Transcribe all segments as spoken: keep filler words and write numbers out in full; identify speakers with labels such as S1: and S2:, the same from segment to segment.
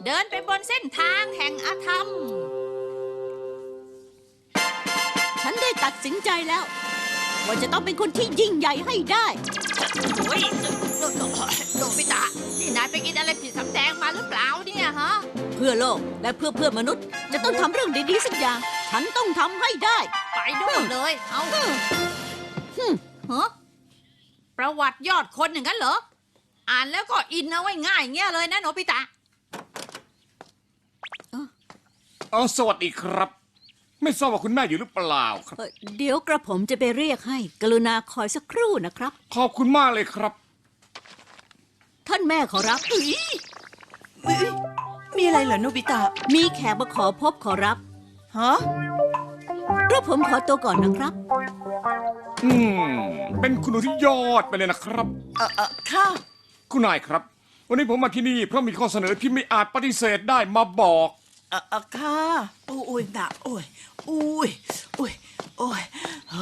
S1: เดินไปบนเส้นทางแห่งอาธรรม
S2: ฉันได้ตัดสินใจแล้วว่าจะต้องเป็นคนที่ยิ่งใหญ่ให้ได้
S1: โอ้ยโนบิตะนี่นายไปกินอะไรผิดสำแดงมาหรือเปล่าเนี่ยฮะ
S2: เพื่อโลกและเพื่อเพื่อนมนุษย์จะต้องทำเรื่องดีๆสักอย่างฉันต้องทำให้ได้
S1: ไปด้วยเลยเอาฮะประวัติยอดคนอย่างนั้นเหรออ่านแล้วก็อินเอาไว้ง่ายเงี้ยเลยนะโนบิตะ
S3: อ๋อสวัสดีครับไม่ทราบว่าคุณแม่อยู่หรือเปล่าครับ
S2: เดี๋ยวกระผมจะไปเรียกให้กรุณาคอยสักครู่นะครับ
S3: ขอบคุณมากเลยครับ
S2: ท่านแม่ขอรับ
S4: มีอะไรเหรอโนบิตะ
S2: มีแขกมาขอพบขอรับ
S4: ฮะ
S2: กระผมขอตัวก่อนนะครับ
S3: อืมเป็นคุณหนูที่ยอดไปเลยนะครับ
S4: เออเออค่ะ
S3: คุณนายครับวันนี้ผมมาที่นี่เพราะมีข้อเสนอที่ไม่อาจปฏิเสธได้มาบอก
S4: เออเออค่ะโอ้ยหนักโอ้ยโอ้ยโอ้ยโอ้ย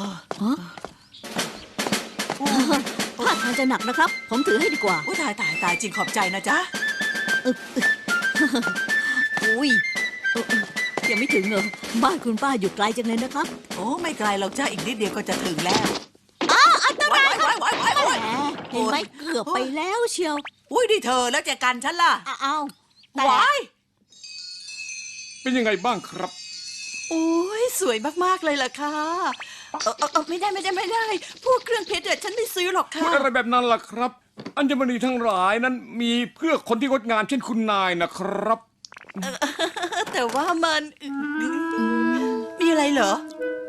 S2: ถ้าทางจะหนักนะครับผมถือให้ดีกว่า
S4: โอ้ยตายตายตายจริงขอบใจนะจ๊ะ
S2: อุ้ยยังไม่ถึงเหรอบ้านคุณป้าอยู่ไกลจังเลยนะครับ
S4: โอ้ไม่ไกลเราจ้าอีกนิดเดียวก็จะถึงแล้ว
S2: อ้าวอันตรายครับ
S4: เห็
S2: นไหมเกือบไปแล้วเชียว
S4: อุ้ยดิเธอแล้วจะกันฉันล่ะ
S2: อ้าว
S4: วาย
S3: เป็นยังไงบ้างครับ
S4: โอ้ยสวยมากๆเลยล่ะค่ะเออเออไม่ได้ไม่ได้ไม่ได้พวกเครื่องเพชรเด็ดฉันไม่ซื้อหรอกค่ะ
S3: อะไรแบบนั้นล่ะครับอัญมณีทั้งหลายนั้นมีเพื่อคนที่งดงามเช่นคุณนายนะครับ
S4: แต่ว่ามันมีอะไรเหรอ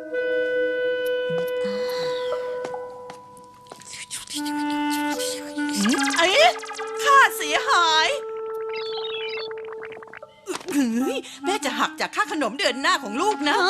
S4: เอ๊ะค่าเสียหายแม่จะหักจากค่าขนมเดือนหน้าของลูกนะ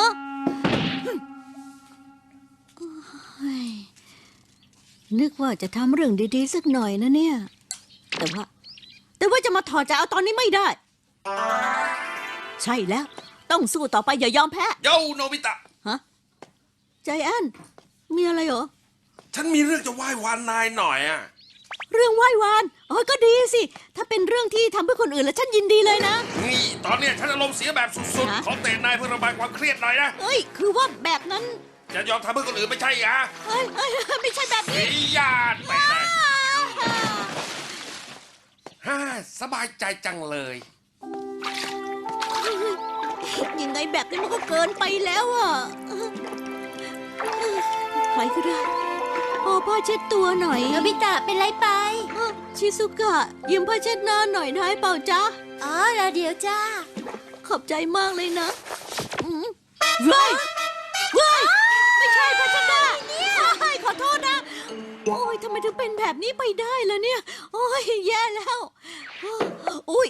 S2: นึกว่าจะทำเรื่องดีๆสักหน่อยนะเนี่ยแต่ว่าแต่ว่าจะมาถอดใจเอาตอนนี้ไม่ได้ใช่แล้วต้องสู้ต่อไปอย่ายอมแพ้
S5: โยโนบิตะ
S2: ฮะใจแอนมีอะไรเหรอ
S5: ฉันมีเรื่องจะไหว้วานนายหน่อยอะ
S2: เรื่องไหว้วานอ๋อก็ดีสิถ้าเป็นเรื่องที่ทำเพื่อคนอื่นแล้วฉันยินดีเลยนะ
S5: นี่ตอนเนี้ยฉันอารมณ์เสียแบบสุดๆขอเตะนายเพื่อระบายความเครียดหน่อยนะ
S2: เอ้ยคือว่าแบบนั้น
S5: จะยอมทำเพื่อคนอื่นไม่ใช่เหรอ
S2: เอ้ยเอ้ยไม่ใช่แบบนี้
S5: ญาติไปเลยฮ่าสบายใจจังเลย
S2: ยังไงแบบนี้มันก็เกินไปแล้วอ่ะใครก็ได้โอ้พ่อเช็ดตัวหน่อย
S6: โนบิตะเป็นไรไป
S2: ชิซุกะยืมผ้าเช็ดหน้าหน่อยได้เปล่าจ๊ะ
S6: อ๋อแล้วเดี๋ยวจ้า
S2: ขอบใจมากเลยนะเว้ยเว้ยไม่ใช่ผ้าเช็ดหน้าขอโทษนะโอ้ยทำไมถึงเป็นแบบนี้ไปได้ล่ะเนี่ยโอ้ยแย่แล้วอุ้ย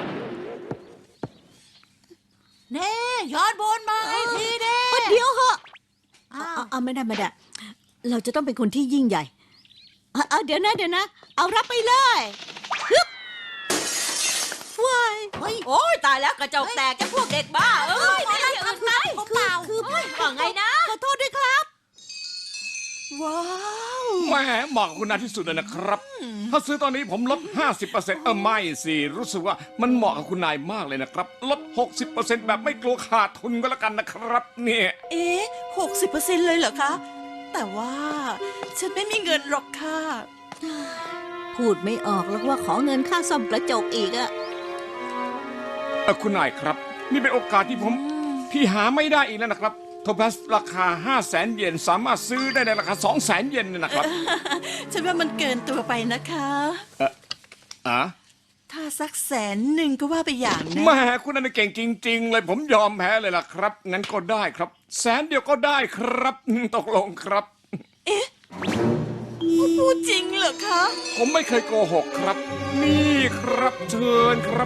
S1: เน่ย้อนบนมาไอ้ทีเด้
S2: เดี๋ยวเหอะเอาไม่ได้ไม่ได้เราจะต้องเป็นคนที่ยิ่งใหญ่เอาเดี๋ยวนะเดี๋ยวนะเอารับไปเลยฮึบว้าย
S1: โอ้ยตายแล้วกระจกแตกจะพวกเด็กบ้าเอ้ยไม่ได้อื่นไหม
S2: เขาเปล่าคือ
S1: ว่าไงนะ
S2: ขอโทษด้วยครับ
S4: ว้าว
S3: แหมเหมาะคุณนายที่สุดเลยนะครับถ้าซื้อตอนนี้ผมลด ห้าสิบเปอร์เซ็นต์ เออไม่สิรู้สึกว่ามันเหมาะกับคุณนายมากเลยนะครับลด หกสิบเปอร์เซ็นต์ แบบไม่กลัวขาดทุนก็แล้วกันนะครับเนี่ย
S4: เอ๊ะ หกสิบเปอร์เซ็นต์ เลยเหรอคะแต่ว่าฉันไม่มีเงินหรอกค่ะ
S2: พูดไม่ออกแล้วว่าขอเงินค่าซ่อมกระจกอีกอะ
S3: เออคุณนายครับนี่เป็นโอกาสที่ผมที่หาไม่ได้อีกแล้วนะครับโทรทัศน์ราคา ห้าแสน เยนสามารถซื้อได้ในราคา สองแสน เยนเลยนะครับ
S4: ฉันว่ามันเกินตัวไปนะคะ
S3: เอออ่ะ
S4: ถ้าสักแสนหนึ่งก็ว่าไปอย่างนะ
S3: แม่คุณนั่นเก่งจริงๆเลยผมยอมแพ้เลยล่ะครับงั้นก็ได้ครับแสนเดียวก็ได้ครับตกลงครับ
S4: เอ๊ะพูดจริงเหรอคะ
S3: ผมไม่เคยโกหกครับนี่ครับเชิญครับ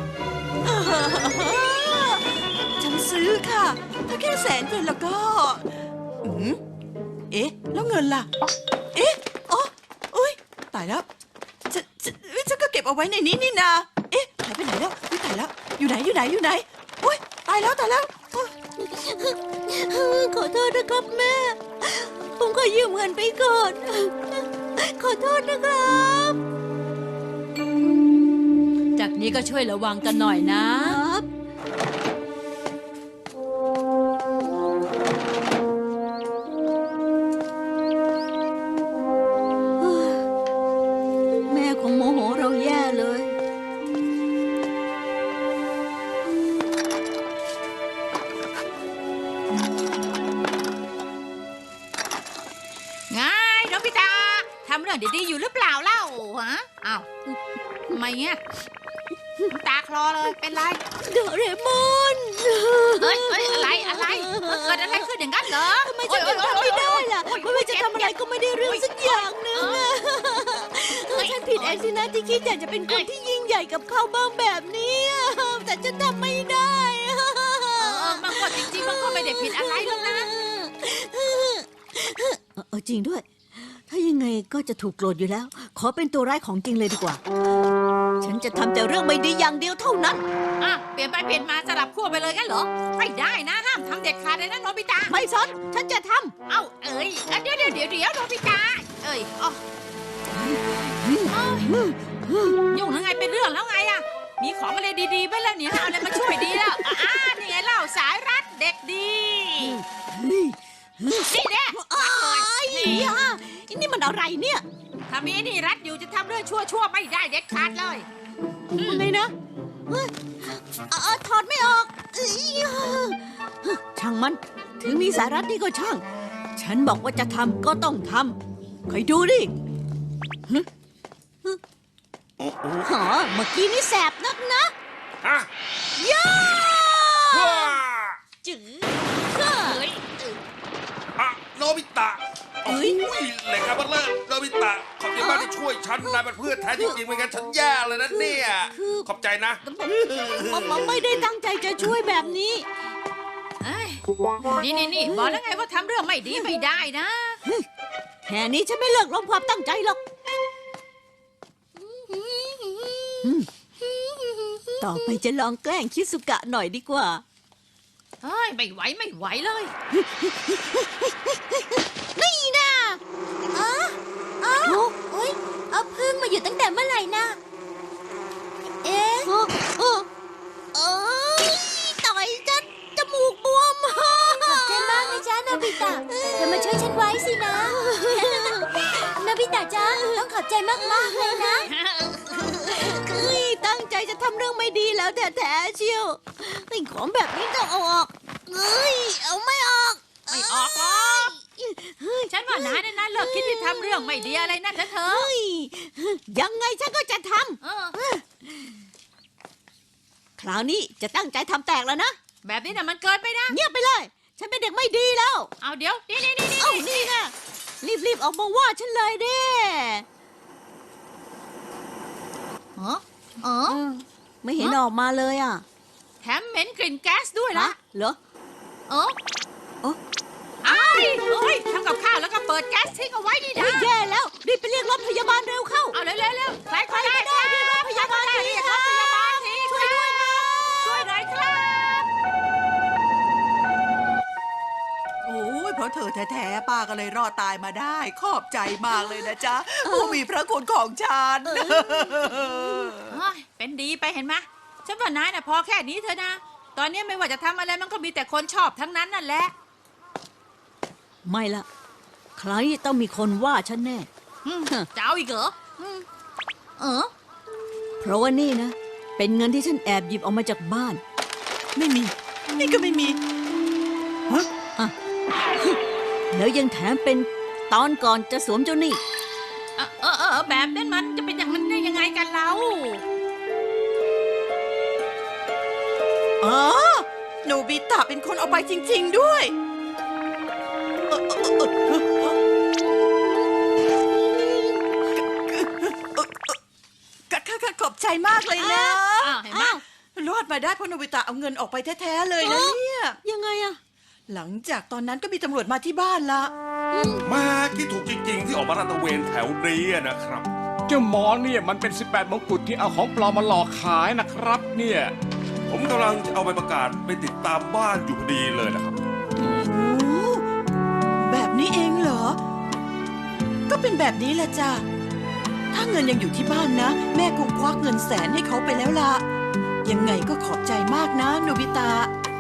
S4: ฉันซื้อค่ะถ้าแค่แสนเดียวแล้วก็อืมเอ๊ะแล้วเงินล่ะเอ๊ะอ๋ออุ้ยตายแล้วฉันฉันก็เก็บเอาไว้ในนี้นี่นาเอ๊ะหายไปไหนแล้วอุ้ยตายแล้วอยู่ไหนอยู่ไหนอยู่ไหนอุ้ยตายแล้วตายแล้ว
S2: ขอโทษนะครับแม่ผมขอยืมเงินไปก่อนขอโทษนะครับ
S1: จากนี้ก็ช่วยระวังกันหน่อยนะ
S2: คงโมโหเราแย่เลย
S1: ไงโนบิตะทำเรื่องดีๆอยู่หรือเปล่าเล่าฮะอ้าวทำไมเงี้ยน้ำตาคลอเลยเป็นไร
S2: โดเรมอน
S1: เอ้ยเอ้ยอะไรอะไรเอ้ยเกิดอะไรขึ้นอย่างนั้นเหรอ
S2: ทำไมฉันถึงทำไม่ได้ล่ะไม่ว่าจะทำอะไรก็ไม่ได้เรื่องสักอย่างหนึ่งอะเออฉันผิดเองสินะที่คิดอยากจะเป็นคนที่ยิ่งใหญ่กับเขาบ้างแบบนี้อะแต่ฉันทำไม่ได้อะ
S1: เออเออมันก็จริงๆมันก็ไม่ได้ผิดอะไรหรอกนะ
S2: เออจริงด้วย ถ้ายังไงก็จะถูกโกรธอยู่แล้ว ขอเป็นตัวร้ายของจริงเลยดีกว่า ฉันจะทำแต่เรื่องไม่ดีอย่างเดียวเท่านั้น
S1: อ่ะเปลี่ยนไปเปลี่ยนมาสลับขั้วไปเลยกันเหรอไม่ได้นะห้ามทำเด็ดขาดเลยนะโนบิตะ
S2: ไม่สนฉันจะท
S1: เอ้าเอ้ยเอ้ยเดี๋ยวเดี๋ยวเดี๋ยวเดี๋ยวโนบิตะเอ้ยอ๋อเอ้ยยุ่งแล้วไงเป็นเรื่องแล้วไงอะมีของอะไรดีๆไปแล้วเนี่ยเอาอะไรมาช่วยดีแล้วอ่ะอ่านี่ไงเล่าสายรัดเด็กดี
S2: ำ
S1: นี่แน่
S2: อ้า
S1: รัด
S2: ย
S1: เลยนี่
S2: อ่ะนี่มันอะไรเนี่ย
S1: ถ้ามีนี่รัดอยู่จะทำเรื่องชั่วๆไม่ได้เด็ดขาดเลย
S2: ยังไงนะเฮ้ยเอ่อถอดไม่ออกเอ้ยช่างมัน ถึงมีสาระนี่ก็ช่าง ฉันบอกว่าจะทำก็ต้องทำคอยดูดิฮึฮึหอเมื่อกี้นี่แสบนักนะ
S5: ฮะ
S2: ย่า
S5: ว้า
S1: จื้อเฮ้ย
S5: อะโนบิตะโอ้ยเหล็กอะบัลเลอร์โนบิตะขอบใจมากที่ช่วยฉันนายเป็นเพื่อนแท้จริงๆไม่งั้นฉันแย่เลยนะเนี่ยขอบใจนะ
S2: ผมผมไม่ได้ตั้งใจจะช่วยแบบนี้
S1: เอ้ยนี่นี่นี่บอกแล้วไงว่าทำเรื่องไม่ดีไม่ได้นะ
S2: แค่นี้ฉันไม่เลิกล้มความตั้งใจหรอกอืมต่อไปจะลองแกล้งคิสุกะหน่อยดีกว่า
S1: เฮ้ยไม่ไหวไม่ไหวเลย
S2: นี่นะ
S6: อ๋ออ๋อโอ๊ยเอาพึ่งมาอยู่ตั้งแต่เมื่อไหร่นะ เอ๊ะ
S2: โอ้โอ้เอ้ยต่อยจะจมูกบวม
S6: ขอบใจมากนะจ๊ะโนบิตะเธอมาช่วยฉันไว้สินะ โนบิตะจ๊ะต้องขอบใจมากๆเลยนะ
S2: เอ้ยตั้งใจจะทำเรื่องไม่ดีแล้วแท้ๆเชียวไอ้ของแบบนี้ต้องเอาออกเอ้ยเอาไม่ออก
S1: ไม่ออกหรอกฉันว่านายเนี่ยนะเลิกคิดที่ทำเรื่องไม่ดีอะไรนั่นนะเธอ
S2: เฮ้ยยังไงฉันก็จะท
S1: เออ
S2: ำคราวนี้จะตั้งใจทำแตกแล้วนะ
S1: แบบนี้น่ะมันเกินไปนะ
S2: เงียบไปเลย ฉันเป็นเด็กไม่ดีแล้ว
S1: เอาเดี๋ยวนี่นี่นี่นี่
S2: เอ้านี่ไงรีบๆออกมาว่าฉันเลยดิ
S1: เออเออ
S2: ไม่เห็นออกมาเลยอ่ะ
S1: แถมเหม็นกลิ่นแก๊สด้วยนะ
S2: เหรอ
S1: เออ
S2: เอ้า
S1: ไอ้ายเอ้ยทำกับข้าวแล้วก็เปิดแก๊สทิ้งเอาไว้นี่
S2: โอ้
S1: นะ
S2: ยแย่แล้วรีบไปเรียกรถพยาบาลเร็วเข้า
S1: เอาเร็วเร็วเร็วใครก็ได้
S2: ใครก็ได้เรียกรถพยาบาลที
S1: เรียกรถพยาบาลที
S2: ช่วยด้วยครับ
S1: ช่วยหน่อยครับ
S4: โอ้ยเพราะเธอแท้ๆป้าก็เลยรอดตายมาได้ ขอบใจมากเลยนะจ๊ะ ผู้มีพระคุณของฉัน
S1: เฮ้ยเป็นดีไปเห็นไหมฉันว่านายน่ะพอแค่นี้เถอะนะ ตอนนี้ไม่ว่าจะทำอะไรมันก็มีแต่คนชอบทั้งนั้นนั่นแหละ
S2: ไม่ละใครต้องมีคนว่าฉันแน่
S1: อืมจะเอาอีกเหรออืมเออ
S2: เพราะว่านี่นะ เป็นเงินที่ฉันแอบหยิบออกมาจากบ้าน
S4: ไม่มี นี่ก็ไม่มี
S2: แล้วยังแถมเป็นตอนก่อนจะสวมเจ้าหนี้
S1: เออเออเออแบบนั้นมันจะเป็นอย่างนั้นได้ยังไงกันเรา
S4: อ๋อโนบิตะเป็นคนเอาไปจริง ๆ ด้วยเอ่อเอ่อเอ่อเอ่อเอ่อขขขอบใจมากเลยนะ
S1: อ้าวเห็นไหม
S2: อ้าว
S4: รอดมาได้เพราะโนบิตะเอาเงินออกไปแท้ ๆ เลยนะเนี่ย
S2: ยังไงอะ
S4: หลังจากตอนนั้นก็มีตำรวจมาที่บ้านละ
S5: มาคิดถูกจริง ๆ ที่ออกมาลาดตระเวนแถวนี้นะครับ
S3: เจ้าหมอเนี่ยมันเป็น สิบแปด มงกุฎที่เอาของปลอมมาหลอกขายนะครับ เนี่ย
S5: ผมกำลังจะเอาใบประกาศไปติดตามบ้านอยู่พอดีเลยนะครับ
S4: โอ้แบบนี้เองเหรอ ก็เป็นแบบนี้แหละจ้ะ ถ้าเงินยังอยู่ที่บ้านนะ แม่คงควักเงินแสนให้เขาไปแล้วล่ะ ยังไงก็ขอบใจมากนะโนบิตะ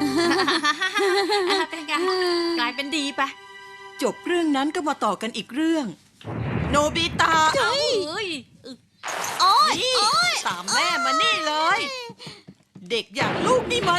S1: เป็นไงกลายเป็นดีไป
S4: จบเรื่องนั้นก็มาต่อกันอีกเรื่อง โนบิตะ
S1: เอ้ย
S2: โอ๊ย
S4: นี่
S2: โอ๊ย
S4: ตามแม่มานี่เลย เด็กอย่างลูกนี่มัน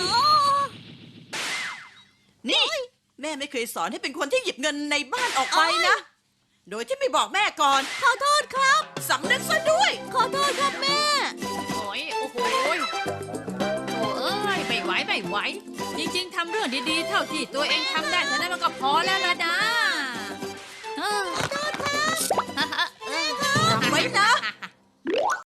S4: นี่ แม่ไม่เคยสอนให้เป็นคนที่หยิบเงินในบ้านออกไปนะ โดยที่ไม่บอกแม่ก่อน
S2: ขอโทษครับ
S4: สำนึกซะด้วย
S2: ขอโทษครับแม่
S1: โอ้ยโอ้โหยโอ้เอ้ยไม่ไหวไม่ไหว จริงๆทำเรื่องดีๆ เท่าที่ตัวเองทำได้เท่านั้นมันก็พอแล้วล่ะนะเออขอโทษครับ
S4: จำไว้นะ